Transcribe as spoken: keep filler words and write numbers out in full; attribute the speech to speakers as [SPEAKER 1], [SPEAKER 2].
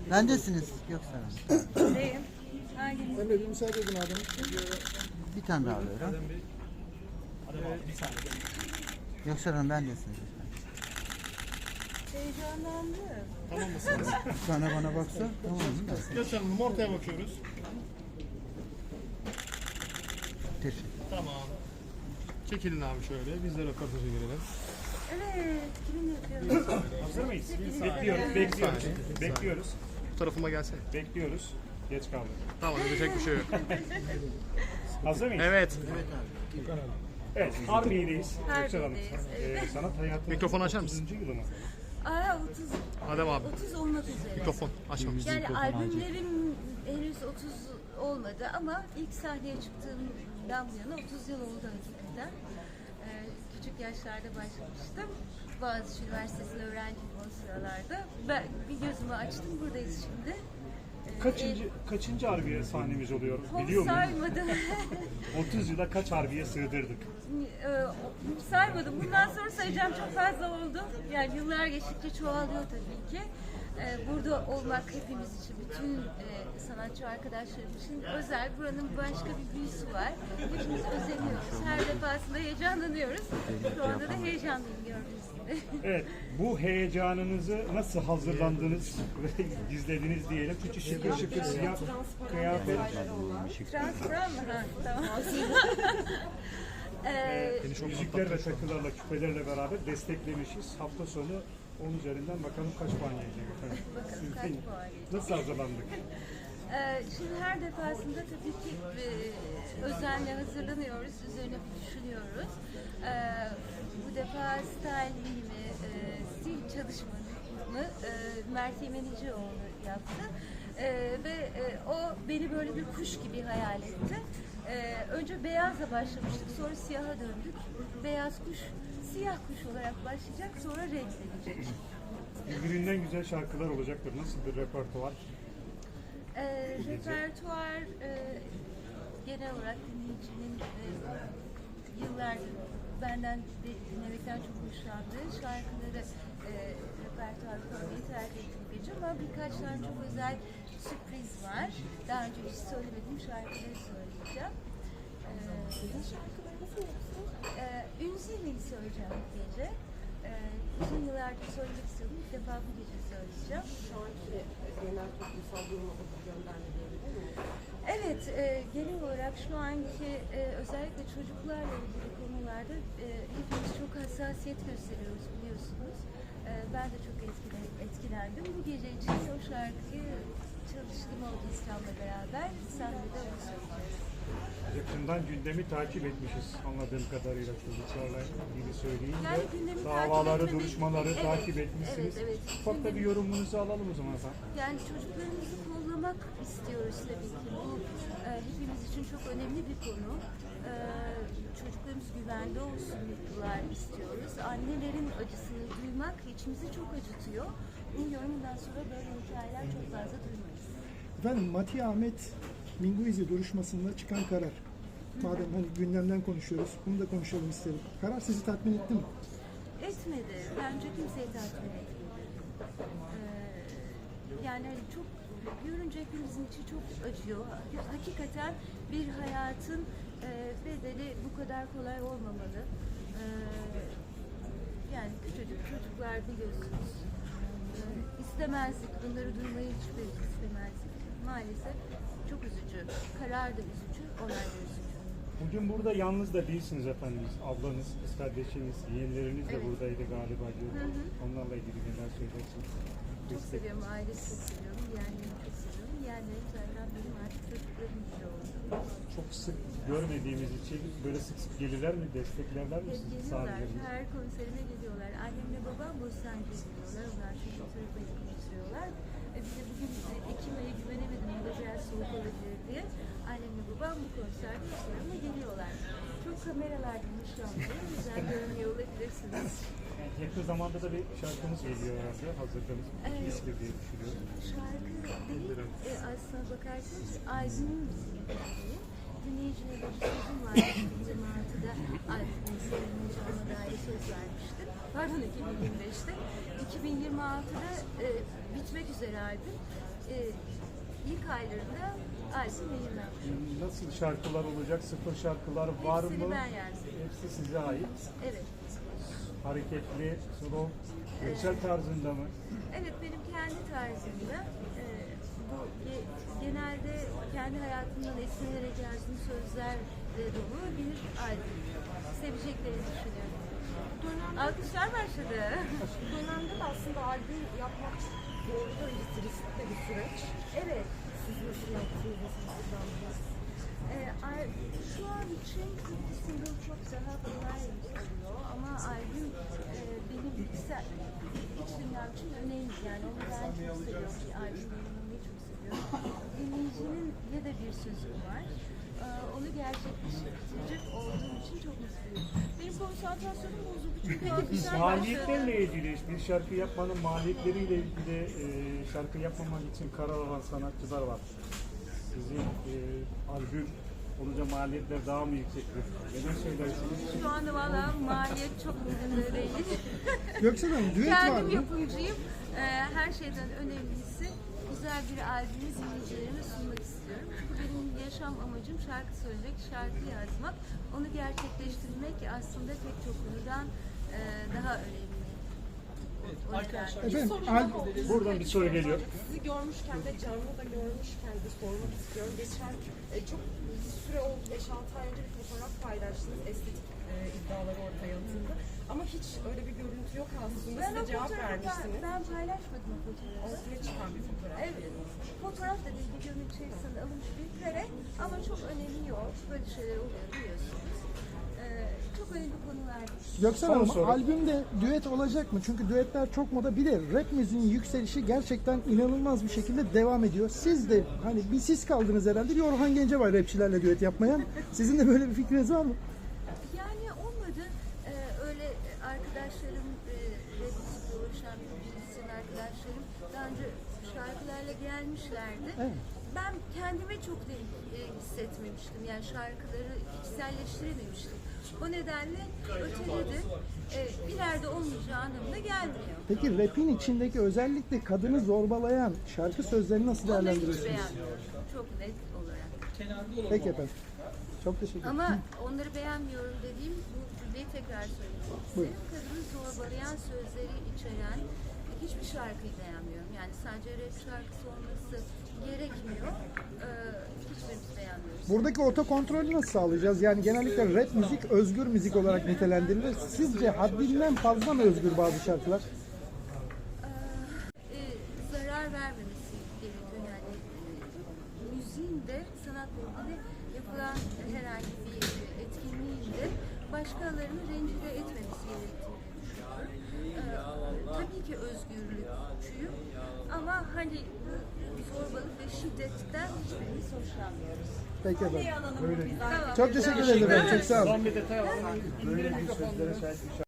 [SPEAKER 1] Bendesiniz Göksel Hanım.
[SPEAKER 2] Neyim? Hanginiz?
[SPEAKER 3] Emre bir müsaade edin abi.
[SPEAKER 1] Bir tane daha alıyorum. Göksel Hanım bendesiniz.
[SPEAKER 2] Heyecanlandım.
[SPEAKER 3] Tamam mısınız?
[SPEAKER 1] Bir tane bana baksa tamam mı?
[SPEAKER 3] Göster Hanım ortaya bakıyoruz.
[SPEAKER 1] Teşekkür.
[SPEAKER 3] Tamam. Çekilin abi şöyle. Biz de röportaja girelim.
[SPEAKER 2] Evet, kimin yapıyoruz?
[SPEAKER 4] Hazır mıyız?
[SPEAKER 2] Hepiniz
[SPEAKER 4] Bekliyoruz,
[SPEAKER 2] beraber.
[SPEAKER 4] bekliyoruz.
[SPEAKER 3] Bir saniye.
[SPEAKER 4] Bekliyoruz,
[SPEAKER 3] Bu tarafıma gelsene.
[SPEAKER 4] bekliyoruz. Geç kaldık.
[SPEAKER 3] Tamam, edecek bir şey yok.
[SPEAKER 4] Hazır mıyız?
[SPEAKER 3] Evet.
[SPEAKER 4] Evet, Harbiye'deyiz. Göksel Hanım.
[SPEAKER 2] Harbiye'deyiz,
[SPEAKER 4] Ee,
[SPEAKER 2] evet.
[SPEAKER 4] sanat hayatının
[SPEAKER 3] Mikrofonu açar mısın?
[SPEAKER 4] otuzuncu yılı mı?
[SPEAKER 2] Aa, otuz.
[SPEAKER 3] Adem abi.
[SPEAKER 2] otuz olmak üzere.
[SPEAKER 3] Mikrofon açmamışsın.
[SPEAKER 2] Yani albümlerim henüz otuz olmadı ama ilk sahneye çıktığımdan bu yana otuz yıl oldu hakikaten. Ee, küçük yaşlarda başlamıştım. Boğaziçi Üniversitesi'nde öğrenciydim o sıralarda. Ben bir gözümü açtım, buradayız şimdi. Ee,
[SPEAKER 4] Kaçıncı,
[SPEAKER 2] e,
[SPEAKER 4] kaçıncı Harbiye sahnemiz oluyor?
[SPEAKER 2] Çok
[SPEAKER 4] Biliyor muyuz?
[SPEAKER 2] saymadım.
[SPEAKER 4] otuz yıla kaç Harbiye sığdırdık?
[SPEAKER 2] Ee, saymadım. Bundan sonra sayacağım, çok fazla oldu. Yani yıllar geçtikçe çoğalıyor tabii ki. Ee, burada olmak hepimiz için, bütün e, sanatçı arkadaşlarım için özel. Buranın başka bir büyüsü var. Hepimiz özeniyoruz. Her defasında heyecanlanıyoruz. Şu anda da heyecanlıyım gördüğünüz gibi.
[SPEAKER 4] Evet, bu heyecanınızı nasıl hazırlandınız ve gizlediniz diyelim. Çünkü şıkır şıkır siyah kıyafet.
[SPEAKER 2] Transparan mı? Ha, tamam. Ee,
[SPEAKER 4] Müzikler ve takılarla, küpelerle beraber desteklemişiz. Hafta sonu on üzerinden bakalım kaç puan gelecek efendim.
[SPEAKER 2] Bakalım kaç puan gelecek.
[SPEAKER 4] Nasıl hazırlandık?
[SPEAKER 2] Ee, Şimdi her defasında tabii ki e, özenle hazırlanıyoruz, üzerine bir düşünüyoruz. Ee, bu defa stylingimi, e, stil çalışmamı e, Mert Yemenicioğlu yaptı. E, ve e, o beni böyle bir kuş gibi hayal etti. E, önce beyazla başlamıştık, sonra siyaha döndük. Beyaz kuş, siyah kuş olarak başlayacak, sonra renklenecek.
[SPEAKER 4] Birbirinden güzel şarkılar olacaktır. Nasıl bir repertuar?
[SPEAKER 2] E, repertuar e, genel olarak dinleyicinin e, yıllardır benden de, dinlemekten çok hoşlandığı şarkıları e, repertuar koymayı tercih ettim gece, ama birkaç tane çok özel sürpriz var. Daha önce hiç söylemediğim şarkıları söyleyeceğim. E, şarkıları nasıl yapıyorsunuz? E, Ünzi'yi söyleyeceğim bu gece. E, uzun yıllardır söylemek istiyordum. İlk defa bu gece söyleyeceğim.
[SPEAKER 5] Şu anki genel toplumsal duruma bakıp gönderme diyebilir miyiz?
[SPEAKER 2] Evet, e, genel olarak şu anki e, özellikle çocuklarla ilgili konularda e, hepimiz çok hassasiyet gösteriyoruz, biliyorsunuz. E, ben de çok etkile, etkilendim. Bu gece için o şarkıyı çalıştım orkestramla beraber. Sahnede onu söyleyeceğiz.
[SPEAKER 4] Yakından gündemi takip etmişiz anladığım kadarıyla çocuklarla ilgili söyleyeyim
[SPEAKER 2] Yani
[SPEAKER 4] ve
[SPEAKER 2] gündemi
[SPEAKER 4] davaları,
[SPEAKER 2] takip etmemek-
[SPEAKER 4] duruşmaları
[SPEAKER 2] Evet,
[SPEAKER 4] takip etmişsiniz.
[SPEAKER 2] evet, evet.
[SPEAKER 4] Ufak da bir yorumunuzu alalım o zaman efendim.
[SPEAKER 2] Yani çocuklarımızı kollamak istiyoruz tabii ki. Bu e, hepimiz için çok önemli bir konu. E, çocuklarımız güvende olsunlar istiyoruz. Annelerin acısını duymak içimizi çok acıtıyor. Umuyorum bundan sonra böyle hikayeler çok fazla duymayız.
[SPEAKER 6] Efendim Mati Ahmet Minguizi duruşmasında çıkan karar. Madem hani gündemden konuşuyoruz, bunu da konuşalım isterim. Karar sizi tatmin etti mi?
[SPEAKER 2] Etmedi. Bence kimseyi tatmin etmedi. Ee, yani hani çok görünce hepimizin içi çok acıyor. Hakikaten bir hayatın e, bedeli bu kadar kolay olmamalı. Ee, yani küçücük çocuklar biliyorsunuz. Ee, istemezdik. Bunları duymayı hiçbir istemezdik. Maalesef çok üzücü. Karar da üzücü, olay da üzücü.
[SPEAKER 4] Bugün burada yalnız da değilsiniz efendimiz. Ablanız, kız kardeşiniz, yeğenleriniz de
[SPEAKER 2] Evet.
[SPEAKER 4] buradaydı galiba.
[SPEAKER 2] Hı hı.
[SPEAKER 4] Onlarla ilgili neler söylersiniz?
[SPEAKER 2] Çok seviyorum, ailesi çok seviyorum, yeğenlerimi çok seviyorum. Yeğenlerim zaten benim artık çocuklarım gibi oldu.
[SPEAKER 4] Çok sık görmediğimiz için böyle sık sık gelirler mi, desteklerler
[SPEAKER 2] Hep
[SPEAKER 4] misiniz
[SPEAKER 2] geliyorlar,
[SPEAKER 4] sahnelerinizi?
[SPEAKER 2] her konserime geliyorlar. Annemle babam Bostancı'ya geliyorlar, onlar çünkü tarafa getiriyorlar. E bize bugün e, Ekim ayı güvenemedim, bu da biraz soğuk olabilir diye. Annemle babam bu konserde ama geliyorlar. Çok kameralardan hoşlanmıyorum, güzel görünüyor olabilirsiniz.
[SPEAKER 4] Yakın zamanda da bir şarkımız geliyor herhalde. Hazırladığınız bir
[SPEAKER 2] Evet.
[SPEAKER 4] iskir diye düşünüyorum.
[SPEAKER 2] Şarkı değil, e, aslına bakarsanız albümün bizim müziği. Dinleyicilere bir sözüm var. iki bin yirmi altıda albümün sayılmayacağına dair söz vermiştim. Pardon iki bin yirmi beşte. iki bin yirmi altıda e, bitmek üzere albüm. e, ilk aylarında albüm yayınlanmış.
[SPEAKER 4] Nasıl şarkılar olacak? Sıfır şarkılar var
[SPEAKER 2] Hepsini
[SPEAKER 4] mı?
[SPEAKER 2] ben yazdım.
[SPEAKER 4] Hepsi size ait.
[SPEAKER 2] Evet.
[SPEAKER 4] Hareketli, slow, görsel tarzında mı?
[SPEAKER 2] Evet, benim kendi tarzımda e, bu ge- genelde kendi hayatımdan esinlenerek yazdığım sözlerle dolu bir albüm. Seveceklerini düşünüyorum.
[SPEAKER 5] Dönemde,
[SPEAKER 2] Alkışlar başladı.
[SPEAKER 5] dönemde de aslında albüm yapmak doğrudan öncesi riskli bir süreç.
[SPEAKER 2] Evet.
[SPEAKER 5] Siz nasıl yaptınız, nasıl hazırlandınız?
[SPEAKER 2] E, al- şu an için single çok daha kolay oluyor ama albüm e, benim içsel, iç dünyam için önemli. Yani onu ben çok seviyorum. Bir albüm dinlemeyi çok seviyorum. Dinleyicinin ya da bir sözü var. E, onu gerçekleştirecek olduğum için çok mutluyum. Benim konsantrasyonum bozuldu çünkü alkışlar
[SPEAKER 4] Maliyetlerle
[SPEAKER 2] başladı.
[SPEAKER 4] ilgili, bir şarkı yapmanın maliyetleriyle ilgili e, şarkı yapmamak için karar alan sanatçılar var. Sizin e, albüm olunca maliyetler daha mı yüksektir? Neden söylersiniz?
[SPEAKER 2] Şu anda valla maliyet çok umurumda değil.
[SPEAKER 6] Göksel Hanım düet var
[SPEAKER 2] Kendim
[SPEAKER 6] mı?
[SPEAKER 2] yapımcıyım. Ee, her şeyden önemlisi güzel bir albümü dinleyicilerime sunmak istiyorum. Çünkü benim yaşam amacım şarkı söylemek, şarkı yazmak. Onu gerçekleştirmek aslında pek çok konudan e, daha önemli. O yüzden-
[SPEAKER 6] Efendim
[SPEAKER 5] Sorum
[SPEAKER 6] al-
[SPEAKER 5] daha oldu.
[SPEAKER 4] Buradan bir soru geliyor.
[SPEAKER 5] Sizi görmüşken de canlı da görmüşken de sormak istiyorum. Geçen e, çok bir süre oldu, beş altı ay önce bir fotoğraf paylaştınız. Estetik e, iddiaları ortaya atıldı. Ama hiç öyle bir görüntü yok aslında.
[SPEAKER 2] Ben o
[SPEAKER 5] Size cevap
[SPEAKER 2] fotoğrafı ben,
[SPEAKER 5] vermiştiniz.
[SPEAKER 2] ben paylaşmadım o fotoğrafı.
[SPEAKER 5] Ortaya çıkan bir fotoğraf.
[SPEAKER 2] Evet. Fotoğraf da değil, videonun içerisinde alınmış bir kare ama çok önemi yok. Böyle şeyler oluyor biliyorsunuz. Ee, çok önemli konular.
[SPEAKER 6] Göksel
[SPEAKER 4] Son
[SPEAKER 6] Hanım
[SPEAKER 4] soru.
[SPEAKER 6] albümde düet olacak mı? Çünkü düetler çok moda. Bir de rap müziğin yükselişi gerçekten inanılmaz bir şekilde devam ediyor. Siz de hani bir siz kaldınız herhalde. Bir Orhan Gencebay rapçilerle düet yapmayan. Sizin de böyle bir fikriniz var mı?
[SPEAKER 2] Yani olmadı. Ee, öyle arkadaşlarım, e, rap müzikle uğraşan müzisyen arkadaşlarım daha önce şarkılarla gelmişlerdi.
[SPEAKER 6] Evet.
[SPEAKER 2] Ben kendime çok da e, hissetmemiştim. Yani şarkıları içselleştirememiştim. O nedenle öteledi. E, ileride olmayacağı anlamına gelmiyor.
[SPEAKER 6] Peki rap'in içindeki özellikle kadını zorbalayan şarkı sözlerini nasıl
[SPEAKER 2] Onları hiç
[SPEAKER 6] değerlendiriyorsunuz?
[SPEAKER 2] beğenmiyorum. Çok net olarak.
[SPEAKER 6] Peki efendim. Çok teşekkür ederim.
[SPEAKER 2] Ama onları beğenmiyorum dediğim bu cümleyi tekrar söylemek
[SPEAKER 6] Buyurun.
[SPEAKER 2] isterim. Kadını zorbalayan sözleri içeren hiçbir şarkıyı beğenmiyorum. Yani sadece rap şarkısı olması gerekmiyor. Ee, hiçbirimiz beğenmiyoruz.
[SPEAKER 6] Buradaki otokontrolü nasıl sağlayacağız? Yani genellikle rap müzik özgür müzik olarak nitelendirilir. Sizce haddinden fazla mı özgür bazı şarkılar?
[SPEAKER 2] Ee, zarar vermemesi gerekiyor. Yani e, müziğin de sanatla ilgili yapılan herhangi bir etkinliğin de başkalarını rencide etmemesi gerektiğini düşünüyorum. Ee, tabii ki özgürlükçüyüm ama hani bu zorbalık ve şiddetten hiçbirimiz hoşlanmıyoruz.
[SPEAKER 6] Peki efendim.
[SPEAKER 2] Tamam.
[SPEAKER 6] Çok teşekkür ederim efendim. Çok sağ olun.
[SPEAKER 4] Son bir detay alalım. Böyle bir sözlere sahip bir